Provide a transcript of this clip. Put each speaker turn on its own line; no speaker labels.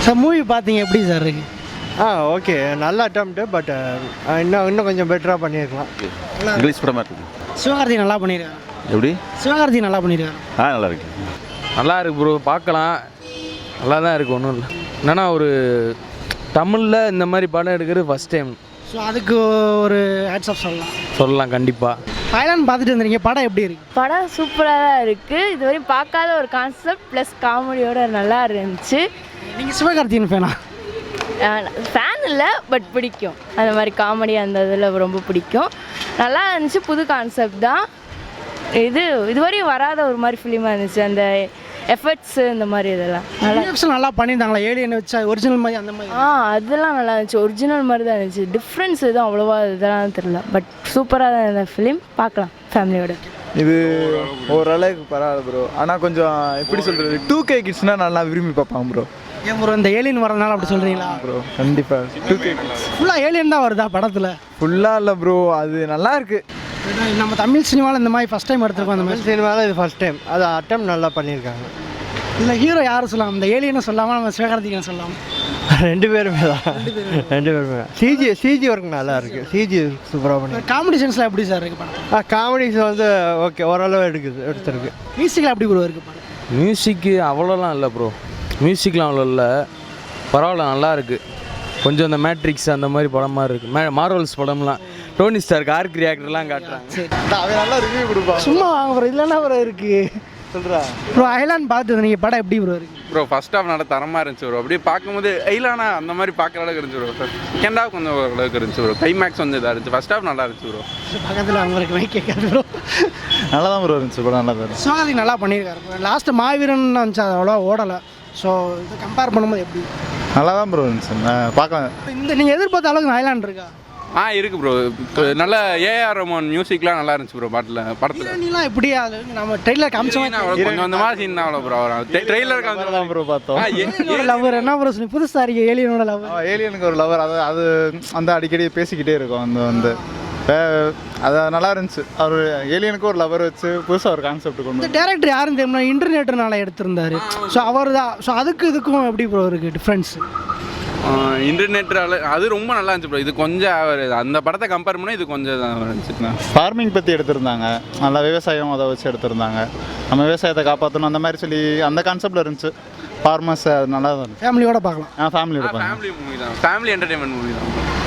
Sir movie பார்த்தீங்க எப்படி sir இருக்கு?
ஓகே, நல்ல அட்டம்ப்ட்டு. பட் இன்னும் கொஞ்சம் பெட்டராக பண்ணியிருக்கலாம்.
இங்கிலீஷ் படமாக இருக்குது.
சிவகார்த்தி நல்லா பண்ணியிருக்காரு.
எப்படி?
சிவகார்த்தி நல்லா பண்ணியிருக்காரு.
நல்லா இருக்கு.
நல்லா இருக்கு ப்ரோ, பார்க்கலாம். நல்லா தான் இருக்குது, ஒன்றும் இல்லை. என்னன்னா ஒரு தமிழில் இந்த மாதிரி படம் எடுக்கிறது ஃபஸ்ட் டைம்.
ஸோ அதுக்கு ஒரு ஹேட்ஸ் ஆஃப்
சொல்லலாம் கண்டிப்பாக.
தாய்லாந்து பார்த்துட்டு வந்துருங்க, படம் எப்படி இருக்கு?
படம் சூப்பராக தான் இருக்குது. இதுவரையும் பார்க்காத ஒரு கான்செப்ட் ப்ளஸ் காமெடியோட நல்லா இருந்துச்சு.
நீங்கள் சிவகார்த்தியின் ஃபேனா?
ஃபேன் இல்லை, பட் பிடிக்கும். அந்த மாதிரி காமெடி அந்த இதில் ரொம்ப பிடிக்கும். நல்லா இருந்துச்சு, புது கான்செப்ட் தான். இதுவரையும் வராத ஒரு மாதிரி ஃபிலிமாக இருந்துச்சு. அந்த எஃபர்ட்ஸு இந்த மாதிரி இதெல்லாம்
நல்லா பண்ணியிருந்தாங்களா? ஏலியனை வச்சா ஒரிஜினல் மாதிரி அந்த மாதிரி?
அதெல்லாம் நல்லா இருந்துச்சு. ஒரிஜினல் மாதிரி தான் இருந்துச்சு. டிஃப்ரென்ஸ் எதுவும் அவ்வளோவா இதெல்லாம் தெரியல. பட் சூப்பராக தான் இந்த ஃபிலிம், பார்க்கலாம் ஃபேமிலியோட.
இது ஓரளவுக்கு பரவாயில்ல ப்ரோ. ஆனால் கொஞ்சம் எப்படி சொல்கிறது, 2K கிட்ஸ்னால் நல்லா விரும்பி பார்ப்பாங்க ப்ரோ.
ஏன் ப்ரோ இந்த ஏலியன் வரதுனால அப்படி சொல்கிறீங்களா?
ப்ரோ கண்டிப்பாக 2K கிட்ஸ்
ஃபுல்லாக ஏலியன் தான் வருதா படத்தில்?
ஃபுல்லாக இல்லை ப்ரோ, அது நல்லா இருக்குது.
நம்ம தமிழ் சினிமாவில் இந்த மாதிரி ஃபஸ்ட் டைம் எடுத்துருக்கோம். அந்த மாதிரி
சினிமாவில் இது ஃபஸ்ட் டைம். அது அட்டம் நல்லா பண்ணியிருக்காங்க.
இல்லை ஹீரோ யாரும் சொல்லலாம், இந்த ஏலியனை சொல்லாமல் நம்ம சிவகார்த்திகேயன் சொல்லலாம்.
ரெண்டு பேருமே சிஜி ஒர்க் நல்லா இருக்குது. சிஜி சூப்பராக பண்ணி.
காமெடி சென்ஸில் எப்படி சார் இருக்குது படம்?
காமெடிஸ் வந்து ஓகே, ஓரளவு எடுத்துருக்கு.
மியூசிக்கில் எப்படி ப்ரோ இருக்குது படம்?
மியூசிக்கு அவ்வளோலாம் இல்லை ப்ரோ, மியூசிக்லாம் அவ்வளோ இல்லை. பரவாயில்ல, நல்லா இருக்குது. கொஞ்சம் இந்த மேட்ரிக்ஸ் அந்த மாதிரி படம் மாதிரி இருக்குது. மார்வல்ஸ் படம்லாம் டோனி ஸ்டார்க் ஆர்க் ரியாக்டர்லாம் காட்டுறாங்க.
சரி,
அவன் நல்லா ரிவ்யூ கொடுப்பான்.
சும்மா வாங்க ப்ரோ, இல்லைன்னா ப்ரோ இருக்குது
சொல்கிறா
ப்ரோ. ஐலாண்ட் பார்த்து நீங்கள் படம் எப்படி ப்ரோ இருக்குது?
ப்ரோ ஃபர்ஸ்ட் ஹாஃப் நல்லா தரமாக இருந்துச்சு ப்ரோ. அப்படியே பார்க்கும்போது ஐலானா அந்த மாதிரி பார்க்குற அளவுக்கு இருந்துச்சு ப்ரோ. செகண்ட் ஹாஃப் கொஞ்சம் ஓரளவுக்கு இருந்துச்சு ப்ரோ. கிளைமேக்ஸ் வந்து இதாக இருந்துச்சு. ஃபர்ஸ்ட் ஹாஃப் நல்லா இருந்துச்சு ப்ரோ.
பக்கத்தில் அவங்களுக்கு மைக் கேட்காது ப்ரோ.
நல்லா தான் ப்ரோ இருந்துச்சு படம், நல்லா தான் இருந்துச்சு.
சிவகார்த்திக் நல்லா பண்ணியிருக்காரு ப்ரோ. லாஸ்ட்டு மாவீரன் வந்துச்சு, அது அவ்வளோ ஓடலை. ஸோ இதை கம்பேர் பண்ணும்போது எப்படி?
நல்லா தான் ப்ரோ இருந்துச்சு, பார்க்கலாம்.
இந்த நீங்கள் எதிர்பார்த்த அளவுக்கு ஐலாண்ட் இருக்கா?
இருக்குது ப்ரோ. நல்ல ஏஆர் ரஹ்மான் மியூசிக்லாம் நல்லா இருந்துச்சு ப்ரோ. படத்தில்
நீலாம் எப்படி அது நம்ம ட்ரெயிலர் காமிச்சோம்.
கொஞ்சம் அந்த மாதிரி சீன் தான் அவ்வளோ ப்ரோ. ட்ரெய்லர்
தான் ப்ரோ பார்த்தோம்.
லவர் என்ன ப்ரோ சொல்லி புதுசாக இருக்கு ஏலியனோட லவர்.
ஏலியனுக்கு ஒரு லவர், அது அந்த அடிக்கடி பேசிக்கிட்டே இருக்கும். வந்து அது நல்லா இருந்துச்சு. அவர் ஏலியனுக்கு ஒரு லவர் வச்சு புதுசாக ஒரு கான்செப்ட் கொண்டு.
இந்த டேரக்டர் யாருன்னு தெரியுமா? இன்டர்நெட்னால எடுத்திருந்தாரு. ஸோ அவர் தான். ஸோ அதுக்கு இதுக்கும் எப்படி ப்ரோ இருக்குது டிஃப்ரென்ஸ்?
இன்டர்நெட்டால் அது ரொம்ப நல்லா இருந்துச்சு ப்ரோ. இது கொஞ்சம் அந்த படத்தை கம்பேர் பண்ணால் இது கொஞ்சம் இருந்துச்சுண்ணா.
ஃபார்மிங் பற்றி எடுத்திருந்தாங்க, நல்லா விவசாயம் அதை வச்சு எடுத்திருந்தாங்க. நம்ம விவசாயத்தை காப்பாற்றணும் அந்த மாதிரி சொல்லி அந்த கான்செப்டில் இருந்துச்சு. ஃபார்மர்ஸ் அது நல்லா தான் இருந்துச்சு.
ஃபேமிலியோட பார்க்கலாம்.
ஃபேமிலியோட பார்க்கலாம்.
ஃபேமிலி மூவி தான், ஃபேமிலி என்டர்டைன்மெண்ட் மூவி தான்.